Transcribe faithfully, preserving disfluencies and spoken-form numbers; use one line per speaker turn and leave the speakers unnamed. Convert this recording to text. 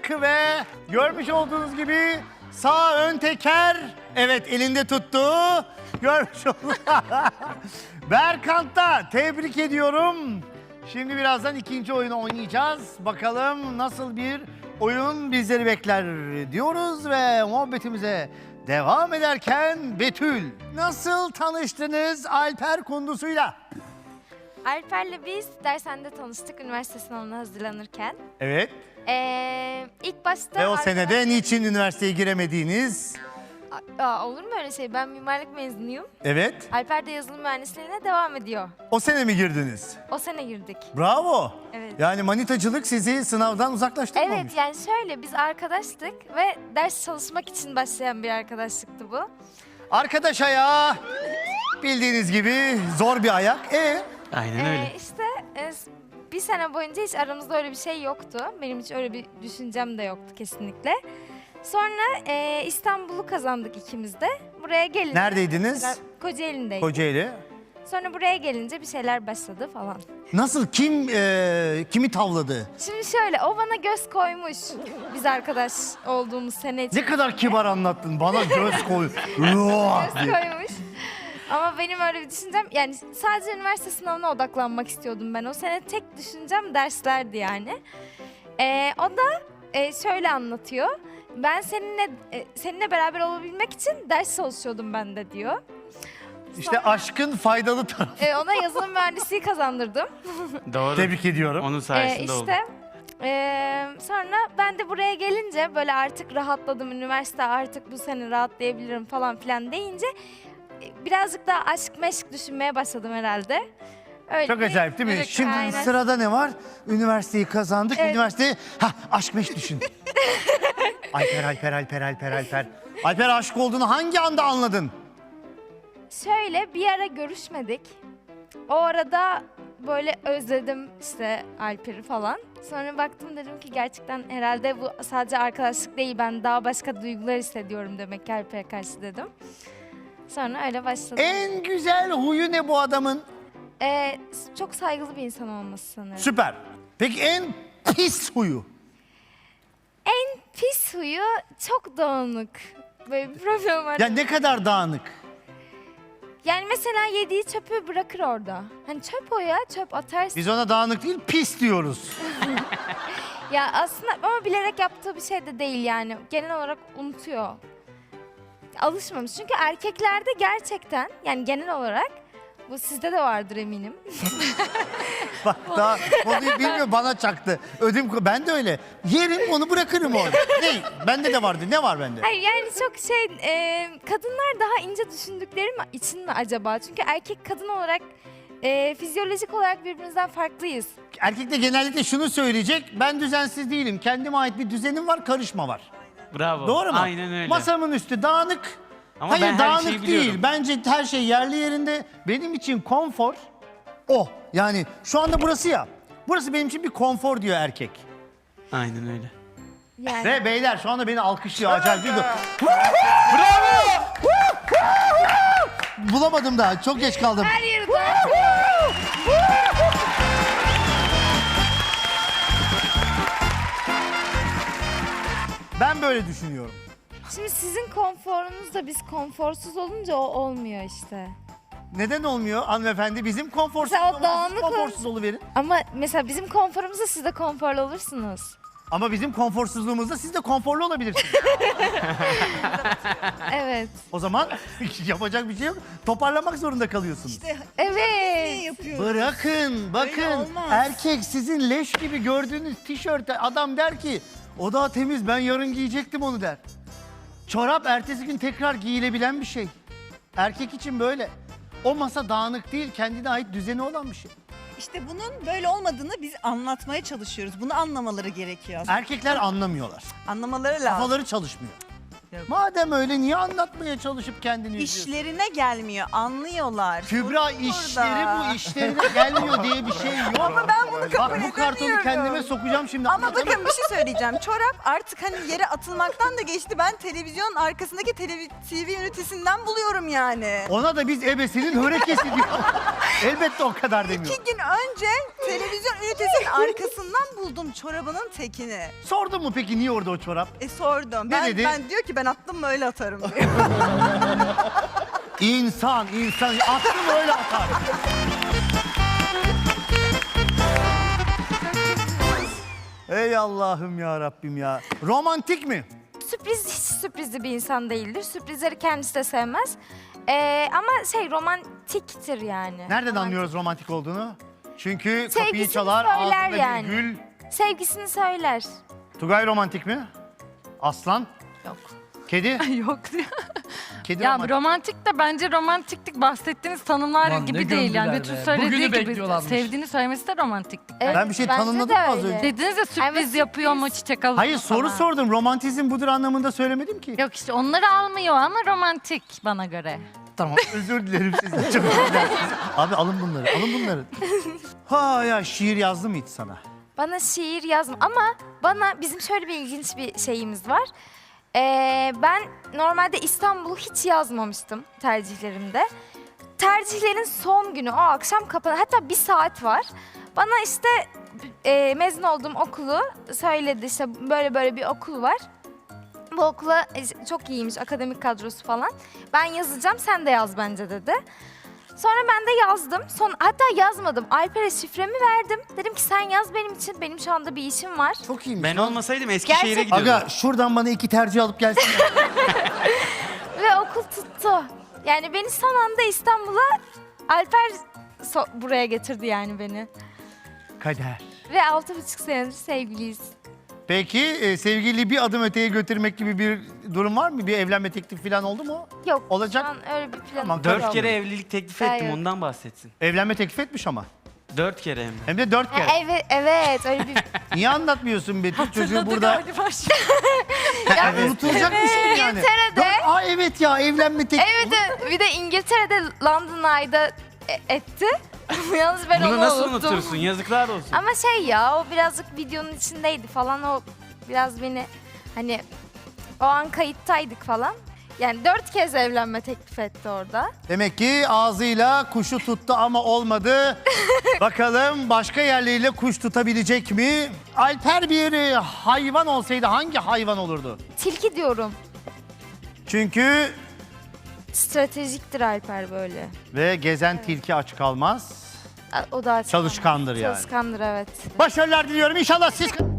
yaptık ve görmüş olduğunuz gibi sağ ön teker, evet elinde tuttu. Görmüş olduk. Berkant'ta tebrik ediyorum. Şimdi birazdan ikinci oyunu oynayacağız. Bakalım nasıl bir oyun bizleri bekler diyoruz ve muhabbetimize devam ederken Betül, nasıl tanıştınız Alper Kundusu'yla?
Alper'le biz dershanede tanıştık üniversite sınavına hazırlanırken.
Evet.
Ee, ilk başta...
Ve o
Alper...
senede niçin üniversiteye giremediğiniz?
Aa, olur mu öyle şey? Ben mimarlık mezunuyum.
Evet.
Alper de yazılım mühendisliğine devam ediyor.
O sene mi girdiniz?
O sene girdik.
Bravo.
Evet.
Yani manitacılık sizi sınavdan uzaklaştırmamış.
Evet, yani şöyle biz arkadaştık ve ders çalışmak için başlayan bir arkadaşlıktı bu.
Arkadaş ayağı bildiğiniz gibi zor bir ayak. E
Aynen öyle.
Ee, işte e, bir sene boyunca hiç aramızda öyle bir şey yoktu. Benim hiç öyle bir düşüncem de yoktu kesinlikle. Sonra e, İstanbul'u kazandık ikimiz de. Buraya gelince...
Neredeydiniz?
Kocaeli'ndeydik.
Kocaeli.
Sonra buraya gelince bir şeyler başladı falan.
Nasıl, kim e, kimi tavladı?
Şimdi şöyle, o bana göz koymuş biz arkadaş olduğumuz sene için.
Ne kadar kibar anlattın, bana göz koy. Ruah
Göz
diye.
koymuş. Ama benim öyle bir düşüncem, yani sadece üniversite sınavına odaklanmak istiyordum ben. O sene tek düşüncem derslerdi yani. Ee, o da e, şöyle anlatıyor. Ben seninle e, seninle beraber olabilmek için ders çalışıyordum ben de diyor.
İşte aşkın faydalı tarafı.
Ee, ona yazılım mühendisliği kazandırdım.
Doğru.
Tebrik ediyorum.
Onun
Ee,
sayesinde oldu.
işte ee, sonra ben de buraya gelince böyle artık rahatladım, üniversite artık bu sene rahatlayabilirim falan filan deyince e, birazcık daha aşk meşk düşünmeye başladım herhalde. Öyle
Çok
bir-
acayip değil mi?
Evet,
Şimdi
aynen.
sırada ne var? Üniversiteyi kazandık.
Evet.
Üniversiteyi, ha aşk meşk düşün. Alper, Alper, Alper, Alper, Alper. Alper aşık olduğunu hangi anda anladın?
Şöyle bir ara görüşmedik. O arada böyle özledim işte Alper'i falan. Sonra baktım, dedim ki gerçekten herhalde bu sadece arkadaşlık değil, ben daha başka duygular hissediyorum demek ki Alper'e karşı dedim. Sonra öyle başladı.
En güzel huyu ne bu adamın?
Ee, çok saygılı bir insan olması sanırım.
Süper. Peki en pis huyu?
En pis huyu çok dağınık. Böyle bir problem var.
Ya ne kadar dağınık?
Yani mesela yediği çöpü bırakır orada. Hani çöp o ya, çöp atarsın.
Biz ona dağınık değil, pis diyoruz.
Ya aslında ama bilerek yaptığı bir şey de değil yani. Genel olarak unutuyor. Alışmamış. Çünkü erkeklerde gerçekten, yani genel olarak, bu sizde de vardır eminim.
Bak daha konuyu bilmiyor, bana çaktı. Ödüm, ben de öyle. Yerim onu, bırakırım orada. Ne? Bende de vardı. Ne var bende?
Hayır yani çok şey, e, kadınlar daha ince düşündükleri mi için mi acaba? Çünkü erkek kadın olarak, e, fizyolojik olarak birbirimizden farklıyız.
Erkek de genellikle şunu söyleyecek. Ben düzensiz değilim. Kendime ait bir düzenim var, karışma var.
Bravo.
Doğru mu?
Aynen öyle.
Masamın üstü dağınık.
Ama
Hayır,
ben her
dağınık
şeyi
değil.
biliyorum.
Bence her şey yerli yerinde. Benim için konfor o. Yani şu anda burası ya. Burası benim için bir konfor diyor erkek.
Aynen öyle.
Yani
Ve beyler şu anda beni alkışlıyor. Acayip bir
Bravo!
Bulamadım daha. Çok geç kaldım.
her yeri
Ben böyle düşünüyorum.
Şimdi sizin konforunuzda biz konforsuz olunca o olmuyor işte.
Neden olmuyor hanımefendi? Bizim konforsuz
Mesela o
olmamız,
dağınık
konforsuz oluverin.
Ama mesela bizim konforumuzda siz de konforlu olursunuz.
Ama bizim konforsuzluğumuzda siz de konforlu olabilirsiniz.
Evet.
O zaman yapacak bir şey yok. Toparlamak zorunda kalıyorsunuz.
Evet.
yapıyoruz.
Bırakın, bakın.
olmaz.
Erkek sizin leş gibi gördüğünüz tişörte adam der ki o daha temiz, ben yarın giyecektim onu der. Çorap ertesi gün tekrar giyilebilen bir şey. Erkek için böyle. O masa dağınık değil, kendine ait düzeni olan bir şey.
İşte bunun böyle olmadığını biz anlatmaya çalışıyoruz. Bunu anlamaları gerekiyor aslında.
Erkekler anlamıyorlar.
Anlamaları lazım.
Kafaları çalışmıyor.
Yok.
Madem öyle niye anlatmaya çalışıp kendini üzüyorsun?
İşlerine gelmiyor, anlıyorlar.
Kübra
Sorun
işleri
burada.
bu işlerine gelmiyor diye bir şey yok.
Ama ben bunu kabul
Bak bu kartonu
edemiyorum.
kendime sokacağım şimdi.
Ama bakın bir şey söyleyeceğim. Çorap artık hani yere atılmaktan da geçti. Ben televizyon arkasındaki televi- T V ünitesinden buluyorum yani.
Ona da biz ebesinin hörekesi diyor. Elbette o kadar demiyor.
İki gün önce televizyon ünitesinin arkasından buldum çorabının tekini.
Sordun mu peki niye orada o çorap?
E sordum.
Ne
Ben,
dedi?
ben diyor ki ben attım mı öyle atarım diyor.
İnsan, insan. Attım öyle atar. Ey Allah'ım ya Rabbim ya. Romantik mi?
Sürpriz hiç sürprizli bir insan değildir. Sürprizleri kendisi de sevmez. Ee, ama şey romantiktir yani.
Nereden
Romantik.
anlıyoruz romantik olduğunu? Çünkü kapıyı
Sevgisini
çalar,
söyler
ağzında
yani.
bir gül.
Sevgisini söyler.
Tugay romantik mi? Aslan?
Yok.
Kedi?
Yok diyor.
Kedi
Ya
romantik.
romantik de bence romantiklik bahsettiğiniz tanımlar
Ulan ne
gibi değil. Yani
gömdüler
Betül
be.
söylediği
Bugünü
gibi
bekliyorlarmış.
sevdiğini söylemesi de romantiklik.
Evet,
Ben bir şey
bence
tanımladım
de
mı az
öyle.
önce?
Dediniz ya sürpriz
Evet,
yapıyor mu,
sürpriz.
çiçek alıyor
Hayır
mu
soru
falan.
sordum. Romantizm budur anlamında söylemedim ki.
Yok işte onları almıyor ama romantik bana göre.
Tamam özür dilerim sizden. Çok özür dilerim. Abi alın bunları, alın bunları. Ha ya şiir yazdı mı hiç sana?
Bana şiir yazma ama bana bizim şöyle bir ilginç bir şeyimiz var. Ee, ben normalde İstanbul'u hiç yazmamıştım tercihlerimde. Tercihlerin son günü o akşam kapanan hatta bir saat var. Bana işte e, mezun olduğum okulu söyledi işte böyle böyle bir okul var. Bu okula e, çok iyiymiş akademik kadrosu falan. Ben yazacağım sen de yaz bence dedi. Sonra ben de yazdım. Son, hatta yazmadım. Alper'e şifremi verdim. Dedim ki sen yaz benim için. Benim şu anda bir işim var.
Çok iyiymiş.
Ben
lan.
olmasaydım Eskişehir'e
Gerçekten-
gidiyordum.
Aga şuradan bana iki tercih alıp gelsin.
Ve okul tuttu. Yani beni son anda İstanbul'a Alper so- buraya getirdi yani beni.
Kader.
Ve altı buçuk senedir sevgiliyiz.
Peki e, sevgili bir adım öteye götürmek gibi bir durum var mı? Bir evlenme teklifi falan oldu mu?
Yok.
Olacak.
Şu an öyle bir planım
Tamam,
yok.
Dört kere evlilik teklif ettim
Hayır.
ondan bahsetsin.
Evlenme teklif etmiş ama.
Dört kere hem de.
Hem de dört
Ha,
kere.
evet, evet öyle bir...
Niye anlatmıyorsun Betül çocuğu
Hatırladı
burada?
galiba.
Yani unutulacak bir şey mi yani?
İngiltere'de-
Dört- Aa evet ya evlenme teklifi.
Evet, evet, bir de İngiltere'de London Eye'da e- etti. Yalnız ben
Bunu
onu
nasıl
unuttum.
unutursun? Yazıklar olsun.
Ama şey ya o birazcık videonun içindeydi falan o biraz beni hani o an kayıttaydık falan. Yani dört kez evlenme teklif etti orada.
Demek ki ağzıyla kuşu tuttu ama olmadı. Bakalım başka yerleriyle kuş tutabilecek mi? Alper bir e, hayvan olsaydı hangi hayvan olurdu?
Tilki diyorum.
Çünkü
Stratejiktir Alper böyle.
ve gezen tilki aç kalmaz.
O da
Çalışkandır yani.
Çalışkandır evet.
Başarılar diliyorum. İnşallah siz...